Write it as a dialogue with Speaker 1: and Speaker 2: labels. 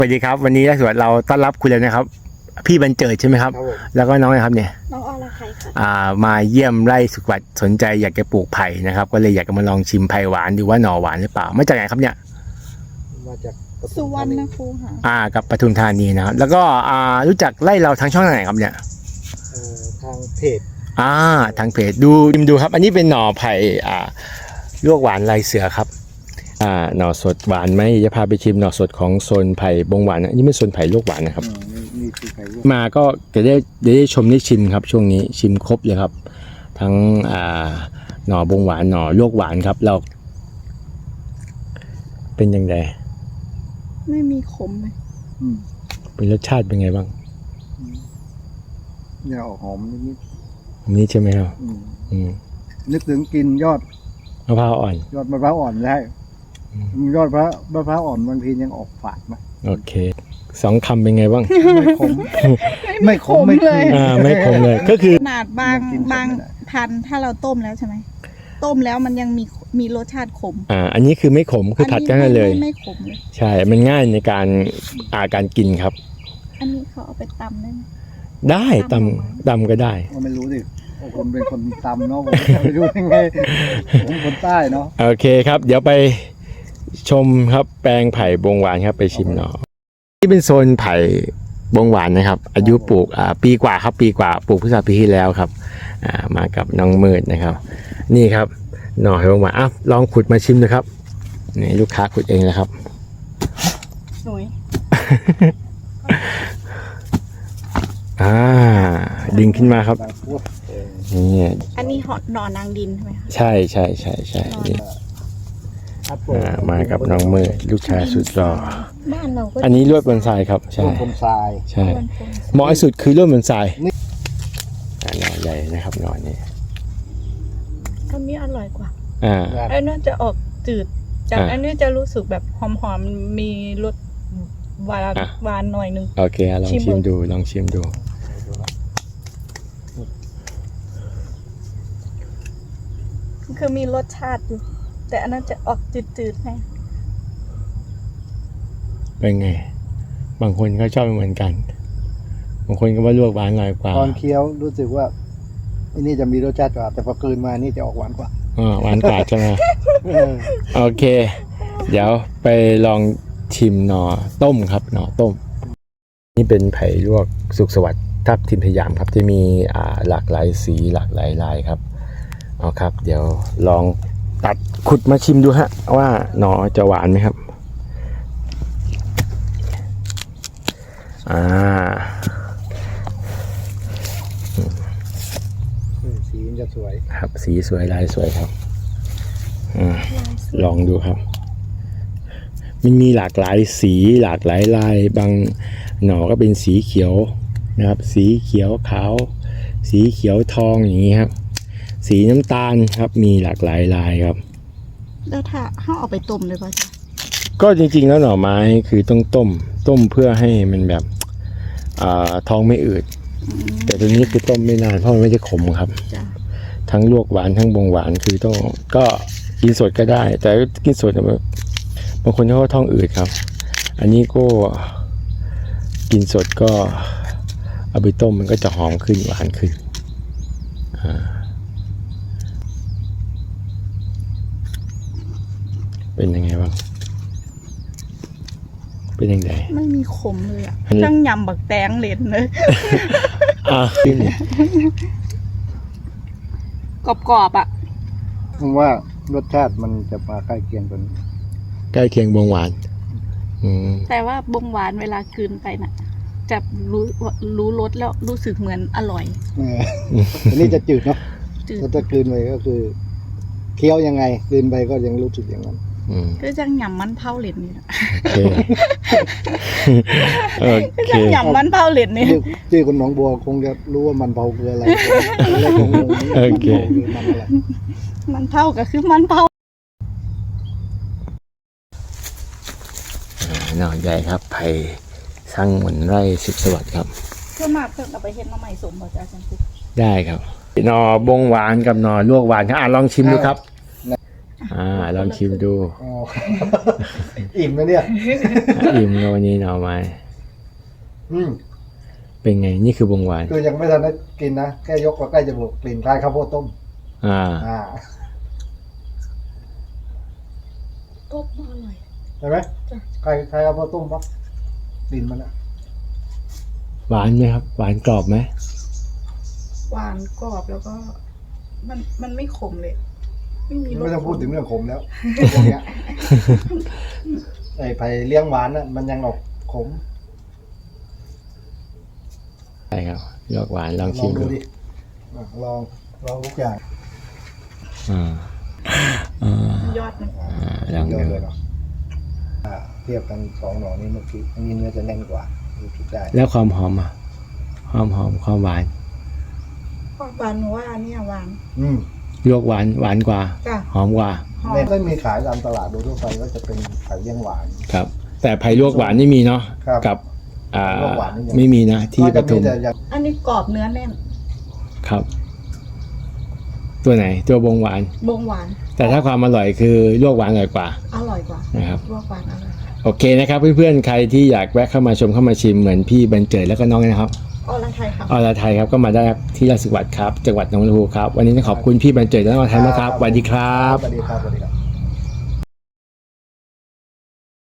Speaker 1: วัสดีครับวันนี้สวนเราต้อนรับคุณเลยนะครับพี่บรรเจิดใช่ไหมครับแล้วก็น้องนะครับเนี่ย
Speaker 2: น้องอรไทยค่ะ
Speaker 1: มาเยี่ยมไร่สุขวัตสนใจอยากจะปลูกไผ่นะครับก็เลยอยากจะมาลองชิมไผ่หวานดูว่าหน่อหวานหรือเปล่ามาจากไหนครับเนี่ย
Speaker 3: มาจาก
Speaker 2: สุวรรณภูมิค่ะ
Speaker 1: กับปทุมธานีนะครับแล้วก็รู้จักไร่เราทางช่องไหนครับเนี่ย
Speaker 3: ทางเพจ
Speaker 1: ทางเพจดูครับอันนี้เป็นหน่อไผ่ลวกหวานลายเสือครับหน่อสดหวานไหมจะพาไปชิมหน่อสดของโซนไผ่บงหวานอันนี้ไม่โซนไผ่ลวกหวานนะครับมาก็จะได้ชมได้ชิมครับช่วงนี้ชิมครบเลยครับทั้งหน่อบงหวานหน่อลวกหวานครับเราเป็นยังไง
Speaker 2: ไม่มีขมเลย
Speaker 1: เป็นรสชาติเป็นไงบ้าง
Speaker 3: เนี่ยออกหอมนิด
Speaker 1: นี่ใช่ไหมครับ
Speaker 3: นึกถึงกินยอด
Speaker 1: มะพร้าวอ่อน
Speaker 3: ยอดมะพร้าวอ่อนได้ยอดมะพร้าวอ่อนบางทียังออกฝาดมา
Speaker 1: โอเค2 คำเป็นไงบ้าง
Speaker 3: ไม่ขมไม่ขม
Speaker 2: เลย
Speaker 1: ไม่ขมเลยก็คือ
Speaker 2: ขนาดบางพันถ้าเราต้มแล้วใช่ไหมต้มแล้วมันยังมีรสชาติขม
Speaker 1: อันนี้คือไม่ขมคือผัดกันเลย
Speaker 2: ไม่ขมเลย
Speaker 1: ใช่มันง่ายในการกินครับ
Speaker 2: อันนี้เขาเอาไปตำได้ไหม
Speaker 1: ได้ตำก็ได้
Speaker 3: ไม่รู้ดิผมเป็นคนตำเนาะผมจะไปรู้ยังไงผมคนใต้เนาะ
Speaker 1: โอเคครับเดี๋ยวไปชมครับแปลงไผ่บงหวานครับไปชิมหน่อที่เป็นโซนไผ่บงหวานนะครับอายุปลูกปีกว่าครับปีกว่าปลูกพฤษภาปีที่แล้วครับมากับน้องมืดนะครับนี่ครับหน่อไผ่บงหวานลองขุดมาชิมดูครับนี่ลูกค้าขุดเองนะครับ
Speaker 2: สวย
Speaker 1: ดึงขึ้นมาครับนี่
Speaker 2: อันนี้หน่อนางดินใช่ไหมคะ
Speaker 1: ใช่นี่มากับน้องมืดลูกชายสุดหล่อ
Speaker 2: บ้านเราก็
Speaker 1: อันนี้ลวดบนทรายครับใช่
Speaker 3: บนทราย
Speaker 1: ใช่เหมาะที่สุดคือลวดบนทรายหน่อใหญ่นะครับหน่อนี้
Speaker 2: อันนี้อร่อยกว่าอันนี้จะออกจืดจากอันนี้จะรู้สึกแบบหอมๆมีรสหวานหน่อยนึง
Speaker 1: โอเคลองชิมดู
Speaker 2: คือมีรสชาติอยู่แต่อันนั้นจะออกจืดๆไง
Speaker 1: เป็นไงบางคนก็ชอบเหมือนกันบางคนก็ว่าลวกหวานหน่อยกว่า
Speaker 3: ตอนเคี้ยวรู้สึกว่าอันนี้จะมีรสชาติกว่าแต่พอคืนมานี่จะออกหวานกว่า
Speaker 1: หวานกว่าใช่ไหมโอเคเดี๋ยวไปลองชิมหน่อต้มครับหน่อต้มนี่เป็นไผ่ลวกสุขสวัสดิ์ทับทิมพยามครับจะมีหลากหลายสีหลากหลายลายครับเอาครับเดี๋ยวลองตัดขุดมาชิมดูฮะว่าหน่อจะหวานไหมครับ
Speaker 3: สีจะสวย
Speaker 1: ครับสีสวยลายสวยครับลองดูครับมันมีหลากหลายสีหลากหลายลายบางหน่อก็เป็นสีเขียวนะครับสีเขียวขาวสีเขียวทองอย่างนี้ครับสีน้ำตาลครับมีหลากหลายลายครับ
Speaker 2: แล้วถ้าเอาไปต้มเลยป่ะจ๊ะ
Speaker 1: ก็จริงๆแล้วหน่อไม้คือต้องต้มเพื่อให้มันแบบท้องไม่อืดแต่ตัวนี้คือต้มไม่นานเพราะมันไม่ได้ขมครับทั้งลวกหวานทั้งบงหวานคือต้องก็กินสดก็ได้แต่กินสดบางคนเขาก็ท้องอืดครับอันนี้ก็กินสดก็เอาไปต้มมันก็จะหอมขึ้นหวานขึ้นเป็นยังไงบ้างเป็นยังไง
Speaker 2: ไม่มีขมเลยจังยำบักแตงเล่นเลย
Speaker 1: ขึ้น
Speaker 2: กรอบ
Speaker 3: ผมว่ารสชาติมันจะมาใกล้เคียงกัน
Speaker 1: ใกล้เคียงบงหวาน
Speaker 2: แต่ว่าบงหวานเวลาคืนไปน่ะจะรู้รสแล้วรู้สึกเหมือนอร่อย
Speaker 3: อันนี้จะจืดเนาะถ้าคืนไปก็คือเคี้ยวยังไงคืนไปก็ยังรู้สึกอย่างนั้น
Speaker 2: ก็จังยำมันเผาเหล็ดนี่แหละ
Speaker 1: จัง
Speaker 2: ยำมันเผาเหล็ดนี่
Speaker 3: ที่คนหนองบัวคงจะรู้ว่ามันเผาคืออะไร
Speaker 1: โอเค
Speaker 2: มันเผาก็คือมันเผา
Speaker 1: หน่อใหญ่ครับไผ่สร้างเหมือนไร่สุขสวัสดิ์ครับ
Speaker 2: เพื่อมาเพิ่งเอาไปเห็ดมาใหม่สมบ่จ้าจังสิ
Speaker 1: ได้ครับหน่อบงหวานกับหน่อลวกหวานครับลองชิมดูครับลองชิมดู
Speaker 3: อ๋อ อิ่มนะเนี่ย
Speaker 1: อิ่มเลยวันนี้หน่อไม้
Speaker 3: อืม
Speaker 1: เป็นไงนี่คือบงหวาน
Speaker 3: คือยังไม่ทันได้กินนะแค่ยกมาใกล้จมูกกลิ่นคล้ายข้าวโพดต้ม
Speaker 1: อ่า
Speaker 2: ต้มอร่อย
Speaker 3: ใช่ไหม
Speaker 2: จ้ะ
Speaker 3: คล้ายข้าวโพดต้มปะกลิ่นมันอะ
Speaker 1: หวานไหมครับ หวานกรอบไหม
Speaker 2: หวานกรอบแล้วก็มันไม่ขมเลย ไม่มีรส
Speaker 3: ไม่ต้องพูดถึงเรื่องขมแล้วพวกเนี้ย ไอ้ไผ่เลี้ยงหวานน่ะมันยังออกขม
Speaker 1: ใช่ครับลวกหวานลอง
Speaker 3: ล
Speaker 1: ชิ
Speaker 3: อง
Speaker 1: ม
Speaker 3: ดู
Speaker 1: ดู
Speaker 3: ดิอ่ะลองทุกอย่าง
Speaker 1: อ่าอ่าย
Speaker 2: อดมัน
Speaker 1: ลอง
Speaker 3: เย
Speaker 1: ดู
Speaker 3: อะเลยเนาะเทียบกันสองหน่อนี้เมื่อกี้อันนี้เนื้อจะแน่นกว่าดูคิดได้
Speaker 1: แล้วความหอมอ่ะความหอมความหวาน
Speaker 2: ความหวานหนูว่าอันเนี้ยหวาน
Speaker 3: อืม
Speaker 1: ลวกหวานกว่า
Speaker 2: จ้ะ
Speaker 1: หอมกว่า
Speaker 2: หอม
Speaker 3: ในก็มีขายตามตลาดโดยทั่วไปก็จะเป็นไผ่เลี้ยงหวาน
Speaker 1: ครับ แต่ไผ่ลวกหวานนี่มีเนาะ
Speaker 3: ครับ
Speaker 1: กับ
Speaker 3: ลวกหวานนี่ยัง
Speaker 1: ไม่มีนะที่
Speaker 3: ก็
Speaker 1: ป
Speaker 3: จะ
Speaker 1: ทุ
Speaker 3: มี
Speaker 1: ม
Speaker 3: แต่อย่าง
Speaker 2: อันนี้กรอบเนื้อแน่น
Speaker 1: ครับ ตัวไหนตัวบงหวาน
Speaker 2: บงหวาน
Speaker 1: แต่ถ้าความอร่อยคือลวกหวานอร่อยกว่า
Speaker 2: อร่อยกว่า
Speaker 1: นะครับ
Speaker 2: ลวกหวานอร่อยกว่า
Speaker 1: โอเคนะครับเพื่อนๆใครที่อยากแวะเข้ามาชมเข้ามาชิมเหมือนพี่บรรเจิดแล้วก็น้องนะครับ
Speaker 2: อรไทยค่ะ
Speaker 1: อรไทยครับก็มาได้ครับที่ราชสุวัสดิ์ครับจังหวัดหนองบัวลำพูครับวันนี้ต้องขอบคุณพี่บรรเจิดและน้องอรไทยมากครับสวัสดีครับ
Speaker 3: สวัสดีครับสวัสดีครับ